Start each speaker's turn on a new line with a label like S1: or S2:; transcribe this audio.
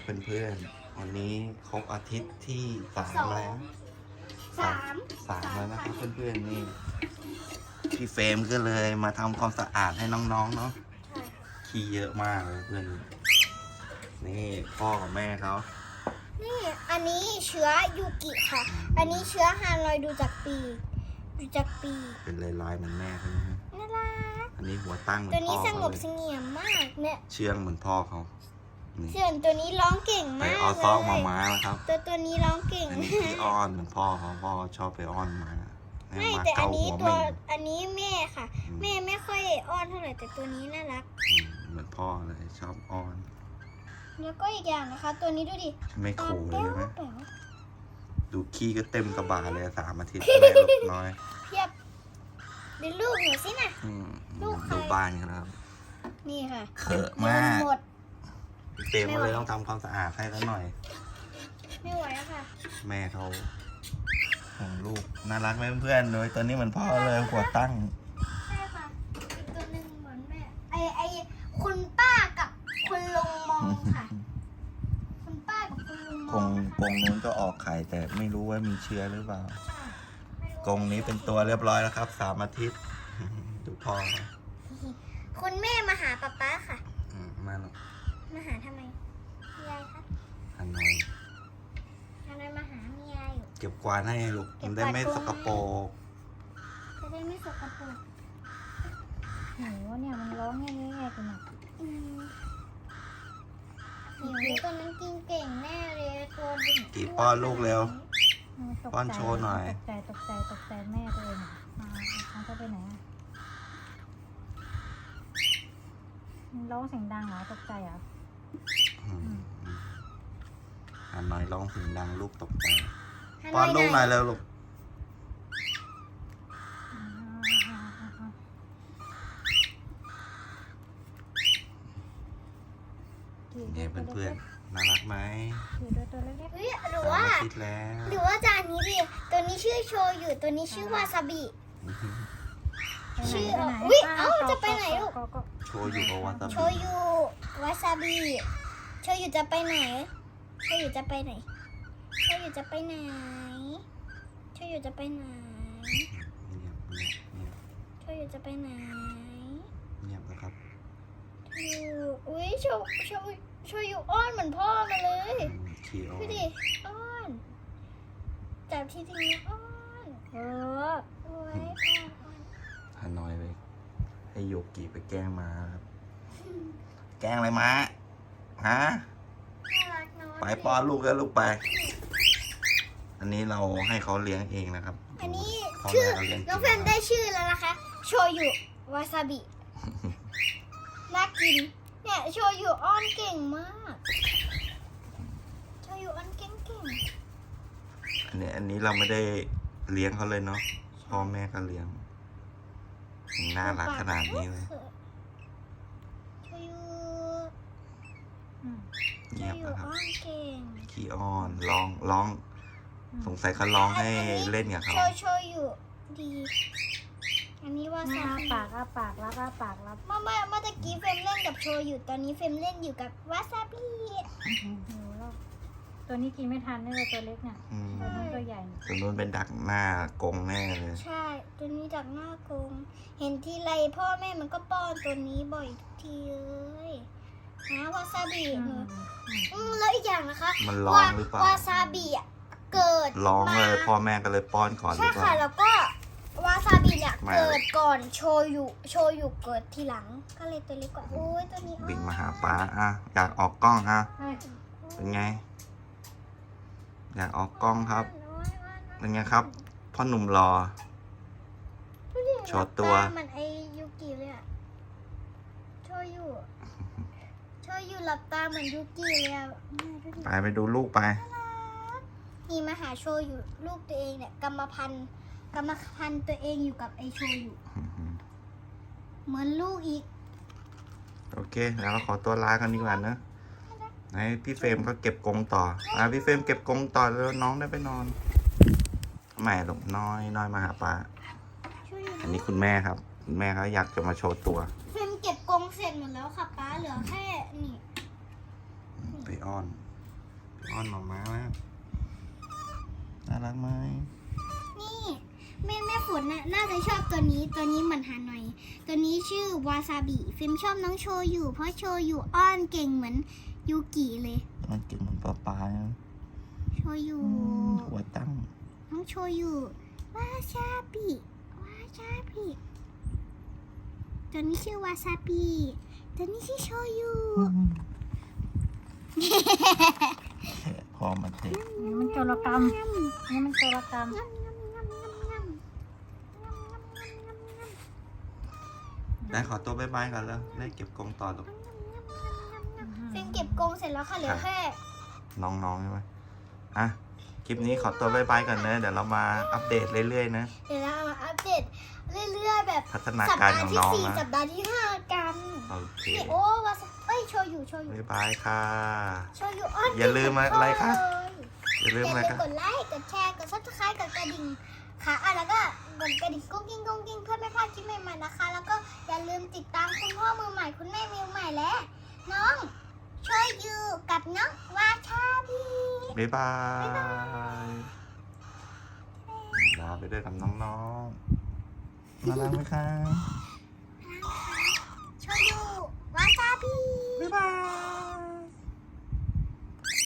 S1: เพื่อนๆวันนี้ครบอาทิตย์ที่3แล้ว
S2: สาม
S1: แล้วนะครับเพื่อนๆนี่พี่เฟรมก็เลยมาทำความสะอาดให้น้องๆเนาะ
S2: ใช่ค่ะ
S1: ขี้เยอะมากเลยเพื่อนนี่พ่อกับแม่เขา
S2: นี่อันนี้เชื้อยูกิค่ะ อันนี้เชื้อฮานอยดูจากปี
S1: เป็นลายๆเหมือนแม่เขานะ
S2: น่ารัก
S1: อันนี้หัวตั้งเหมือ
S2: ตัวน นี้
S1: พ่อ
S2: สง
S1: เขา
S2: บ
S1: เล
S2: เส
S1: ย
S2: งี่ยมมากเนี่ย
S1: เชื่องเหมือนพ่อเขานี่
S2: ส่วนตัวนี้ร้องเก่ง
S1: ไป
S2: มาก
S1: ออ
S2: เลย
S1: ซอกมาม้าแล้วครับ
S2: ตัวนี้ร้องเก่ง
S1: อันนี้ขี้อ้อนเหมือนพ่อเขาพ่อชอบไปอ้อนมาให้
S2: ไม่
S1: มา
S2: แต่อั
S1: เกาน
S2: นี้
S1: หัว
S2: ตัว
S1: เม่ง
S2: อันนี้แม่ค่ะ แม่ไม่ค่อยอ้อนเท่าไหร่แต่ตัวนี้น่ารัก
S1: เหมือนพ่อเลยชอบอ้อน
S2: แล้วก็อีกอย่างนะคะ ตัวนี้ดูดิ
S1: ไม่ขู่เลยไหม
S2: แป๋ว
S1: ดูขี้ก็เต็มกระบาเลย3 อาทิตย์แม่ลูกน้อย
S2: เพียบดูลูกหนูสินะ
S1: อืม
S2: ลูกใคร
S1: ดูบ้านกันนะครับ
S2: นี่ค่ะ
S1: เขอะมาก
S2: หมด
S1: พี่เฟรมก็เลยต้องทำความสะอาดให้แล้วหน่อย
S2: ไม่ไหวแล้วค่ะ
S1: แม่เขาของลูกน่ารักไหมเพื่อนๆเลยตัวนี้เหมือนพ่อเลยหัวตั้ง
S2: ใช่ค่ะอีกตัวหนึ่งเหมือนแม่ไอคุณป้ากับคุณลุงมองค่ะ คุณป้ากับคุณลุงม
S1: ก
S2: อง
S1: ง
S2: นะคะ
S1: กงนู้นก็ออกไข่แต่ไม่รู้ว่ามีเชื้อหรือเปล่า
S2: ไม่รู้
S1: กรงนี้เป็นตัวเรียบร้อยแล้วครับ3 อาทิตย์ ดูพ่อเขา
S2: คุณแม่มาหาป๊าป๊าค่ะ
S1: มาหนอย
S2: มาหาทำไมมียายคะ
S1: ฮันหน่อย
S2: อะไรมาหามียายอยู่
S1: เก็บกวาดให้ลูก
S2: เก็
S1: มั
S2: บ
S1: น
S2: กวาด
S1: ได้ไม่
S2: กรง
S1: สกปรก
S2: จะได้ไม่สกปรก
S3: โหเนี่ยมันร้องแง่ๆกันอ่ะ
S2: อืมเดี๋ยวตัวนั้นกินเก่งแน่เลยตัวดึง
S1: กี่ป้อนลูกเร็ว
S3: มันตกใจ
S1: ป้อนโชว์หน่อย
S3: ตกใจแม่ตัวเองอะเขาจะไปไหนอ่ะมันร้องเสียงดังเหรอตกใจเหรอ
S1: ฮันหน่อยร้องเสียงดังลูกตกใจป้อนลูกหน่อยเร็วลูกเนี่ยเพื่อนๆน่ารักไหม
S3: ถือด้วยตัวเล็ก
S2: เฮ้ยหรือ
S1: 3
S2: ว่า
S1: อาทิตย์แล้ว
S2: หรือว่าจานนี้ดิตัวนี้ชื่อโชยุตัวนี้ชื่อวาซาบิ
S3: ๆ
S2: ชื่อ
S3: ไปไหน
S2: อุ๊ยเอ้าจะไปไหนลูก
S3: ก็
S1: โชว์อยู่กับวาซา
S2: โช
S1: บิ
S2: ยุวาซาบิโชยุจะไปไหนโชยุจะไปไหนโชยุจะไปไหนโชยุจะไปไหน โชยุจะไปไหน
S1: เงียบนะครับ
S2: โชยุอุ้ยโชยุอ้อนเหมือนพ่อมาเลย
S1: ขี้อ้อ
S2: ดู
S1: น
S2: ดิอ้อนจับทีนี้อ้อน
S3: เออ
S2: โอ้ยอ้อน
S1: ฮันหน่อยไปให้โยกิไปแกล้งมาครับ แกล้งอะไรมาฮะ
S2: น่ารักเนาะ
S1: ไปป้อนลูกแล้วลูกไป อันนี้เราให้เขาเลี้ยงเองนะครับ
S2: อันนี้
S1: พ่อ
S2: ชื่อ
S1: แม่เขาเลี้ยง
S2: น้องเฟรมได้ชื่อแล้วนะคะ โชยุวาซาบิ น่ากิน เนี่ยโชยุอ้อนเก่งมาก โชยุอ้อนเก่ง
S1: อันนี้เราไม่ได้เลี้ยงเขาเลยเนาะพ่อแม่ก็เลี้ยงยังน่ารักขนาดนี้เลย
S2: โชยุ
S3: อืม
S2: โช
S1: เงียบ
S2: ยุ
S1: นะครับ
S2: อ้อนเก่ง
S1: ขี้อ้อนร้อง สงสัยเขาร้องให้เล่นกับเขา
S2: โชยุดี อันนี้วา
S3: ห
S2: ซา
S3: น้า
S2: บิ
S3: ปากปากรับปากรับ
S2: เมื่อตะกี้เฟรมเล่นกับโชยุตอนนี้เฟรมเล่นอยู่กับวาซาบิ
S3: หิวแล้วตัวนี้กินไม่ทันนี่เลยตัวเล็กเนี่ย
S1: อืม
S3: ตัวนู้นตัวใหญ่
S1: ตัวนู้นเป็นดักหน้ากรงแน่เลย
S2: ใช่ ตัวนี้จากหน้ากรงเห็นทีไรพ่อแม่มันก็ป้อนตัวนี้บ่อยทีเลยนะวาซาบิ
S3: อื
S2: หนู
S3: ม
S2: แล้วอีกอย่างนะคะ
S1: มันร้องหรือเปล่าว
S2: าซาบิอ่ะเกิด
S1: ร้อง
S2: มา
S1: เลยพ่อแม่ก็เลยป้อนก่อนหรื
S2: ใช่
S1: อเป
S2: ค่ะ
S1: ล่า
S2: แล้วก็วาซาบิเนี่ย
S1: ไม่
S2: เกิดก่อนโชยุเกิดทีหลัง ก็เลยตัวเล็กกว่าโอ้ยตัวนี้
S1: บินมาหาป้าอ่ะอยากออกกล้องอ่ะ
S3: เฮ้ย
S1: เป็นไง อยากออกกล้องครับ
S2: อ้อนอ้อน
S1: เป็นไงครับ พ่อหนุ่มรอ
S2: ดูดิ
S1: โชว์ตัว
S2: หน้าตาเหมันไอยูกิเลยอะโชยุหลับตาเหมือนยูกิเลยอะแม่ดูดิ
S1: ไปดูลูกไป
S2: นี่มาหาโชยุลูกตัวเองเนี่ยกรรมพันธุ์ตัวเองอยู่กับไอโชยุเหมือนลูกอีก
S1: โอเค แล้วเราขอตัวลากันดีกว่านะให้พี่เฟรมเขาเก็บกรงต่อพี่เฟรมเก็บกรงต่อแล้วน้องได้ไปนอนทำไมลูกน้อยมาหาป้า
S2: โชยุ
S1: อันนี้คุณแม่ครับ คุณแม่เขาอยากจะมาโชว์ตัว
S2: เฟรมเก็บกรงเสร็จหมดแล้วค่ะป้าเหลือแค่นี่
S1: ไปอ้อนอ้อนหมาม้ามากน่ารักไหม
S2: นี่แม่ฝนน่าจะชอบตัวนี้เหมือนฮานอยตัวนี้ชื่อวาซาบิฟิล์มชอบน้องโชยุเพราะโชยุอ้อนเก่งเหมือนยูกิเลย
S1: มันกินเหมือนปลาปลานะ
S2: โชยุ
S1: หัวตั้ง
S2: น้องโชยุวาซาบิตัวนี้ชื่อวาซาบิตัวนี้ชื่อโชยุ
S1: พอมาเท
S3: นี่มันโจรกรรมนี่มันโจรกรรม
S1: ได้ขอตัวบ๊ายบายก่อนแล้วได้เก็บกรงต่อลูก
S2: ฟิล์มเก็บกรงเสร็จแล้วค่ะเหลือแค่
S1: น้องๆใช่ไหมอ่ะคลิปนี้ขอตัวบ๊ายบายก่อนนะเดี๋ยวเรามาอัปเดตเรื่อยๆนะ
S2: เดี๋ยวเรามาอัปเดตเรื่อยๆแบบ
S1: พัฒนา
S2: สัป
S1: การ
S2: ดา
S1: ขอ
S2: ห์
S1: ง
S2: ที่
S1: น้อง
S2: 4
S1: นะ
S2: สัปดาห์ที่ 5 กัน
S1: โอเค
S2: นี่โอ้วาซาโชยุ
S1: บ๊ายบายค่ะ
S2: อ้อน
S1: อย่าลืมอะไรคะ
S2: เก่ง
S1: อย่าลืมอะไร
S2: เลย
S1: กัน
S2: กดไลค์กดแชร์กดซับสไครต์กดกระดิ่งค่ะแล้วก็กดกระดิ่งกุ้งกิ้งเพื่อไม่พลาดคลิปใหม่ๆนะคะ แล้วก็อย่าลืมติดตามคุณพ่อมือใหม่คุณแม่มือใหม่และน้องโชยุกับน้องวาชาบี
S1: บ๊ายบายลาไปด้วยกับน้องๆน่ารักไหมคะ
S2: โชยุวาซาบิ
S1: บ๊ายบาย